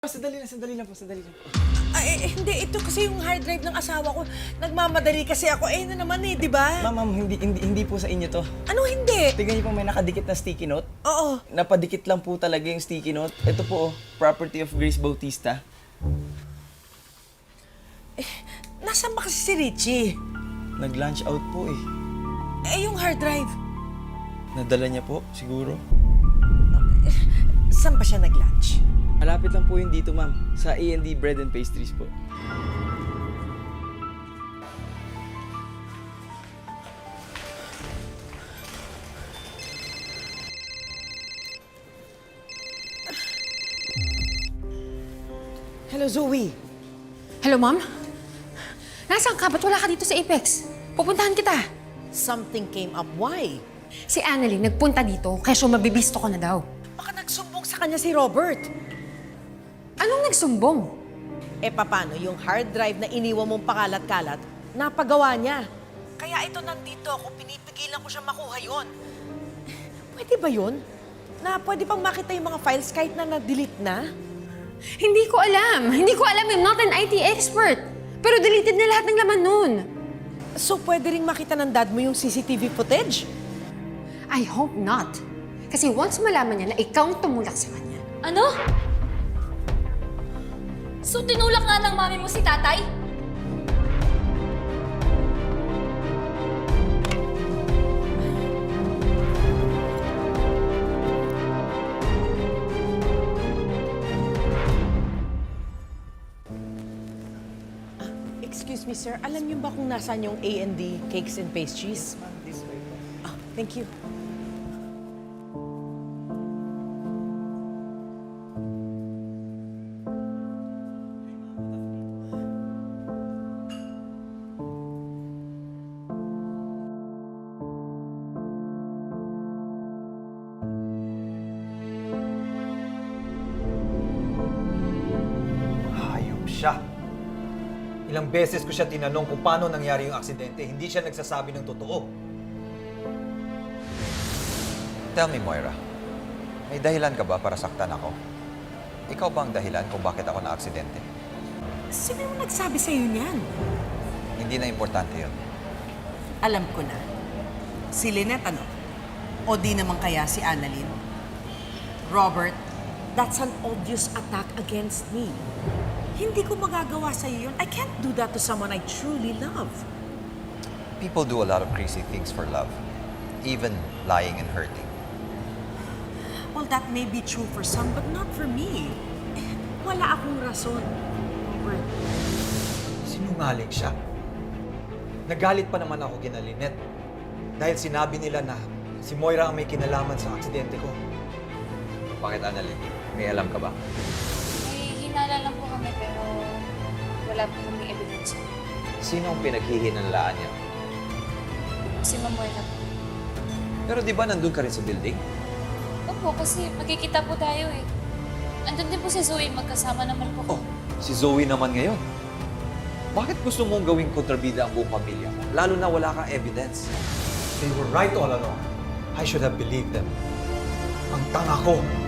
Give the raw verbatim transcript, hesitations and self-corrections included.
Sandali lang, sandali lang po, sandali lang po. Ay, eh, hindi. Ito kasi yung hard drive ng asawa ko. Nagmamadali kasi ako. Eh, na naman eh, di ba? Ma'am, ma'am, hindi, hindi, hindi po sa inyo to. Ano hindi? Tingnan niyo po may nakadikit na sticky note. Oo. Napadikit lang po talaga yung sticky note. Ito po, oh, property of Grace Bautista. Nasaan ba kasi si Richie? Nag-lunch out po eh. Eh, yung hard drive. Nadala niya po, siguro. Saan ba siya nag-lunch? Malapit lang po yun dito, ma'am. Sa A and D Bread and Pastries po. Hello, Zoe. Hello, ma'am? Nasaan ka? Ba't wala ka dito sa Apex? Pupuntahan kita. Something came up. Why? Si Annalyn nagpunta dito, kaya siya mabibisto ko na daw. Baka nagsumbong sa kanya si Robert. Anong nagsumbong? Eh, paano yung hard drive na iniwan mong pakalat-kalat, napagawa niya. Kaya ito nandito ako, pinipigilan ko siya makuha yon. Pwede ba yun? Na pwede pang makita yung mga files kahit na na-delete na? Hindi ko alam. Hindi ko alam. I'm not an I T expert. Pero deleted na lahat ng laman nun. So, pwede ring makita ng dad mo yung C C T V footage? I hope not. Kasi once malaman niya na ikaw ang tumulak sa kanya. Ano? So, tinulak nga ng mami mo si tatay? Excuse me, sir. Alam niyo ba kung nasaan yung A and D Cakes and Pastries? Ah, thank you. Hayop siya. Ilang beses ko siya tinanong kung paano nangyari yung aksidente, hindi siya nagsasabi ng totoo. Tell me, Moira, may dahilan ka ba para saktan ako? Ikaw ba ang dahilan kung bakit ako na-aksidente? Sino yung nagsabi sa'yo niyan? Hindi na importante yun. Alam ko na. Si Lynette ano? O di naman kaya si Annalyn? Robert, That's an obvious attack against me. Hindi ko magagawa sa'yo yun. I can't do that to someone I truly love. People do a lot of crazy things for love, even lying and hurting. Well, that may be true for some, but not for me. Eh, wala akong rason, Robert. Sinungaling siya. Nagalit pa naman ako kina Lynette dahil sinabi nila na si Moira ang may kinalaman sa aksidente ko. Bakit, Annalyn? May alam ka ba? May hinala lang po kami pero wala po kami evidence. Sino ang pinaghihinalaan niya? Si Ma'am Moira po. Pero di ba nandun ka rin sa building? Opo, kasi magkikita po tayo eh. Andun din po si Zoe, magkasama naman po. Oh, si Zoe naman ngayon. Bakit gusto mong gawing kontrabida ang buong pamilya mo? Lalo na wala kang evidence. They were right all along. I should have believed them. Ang tanga ko.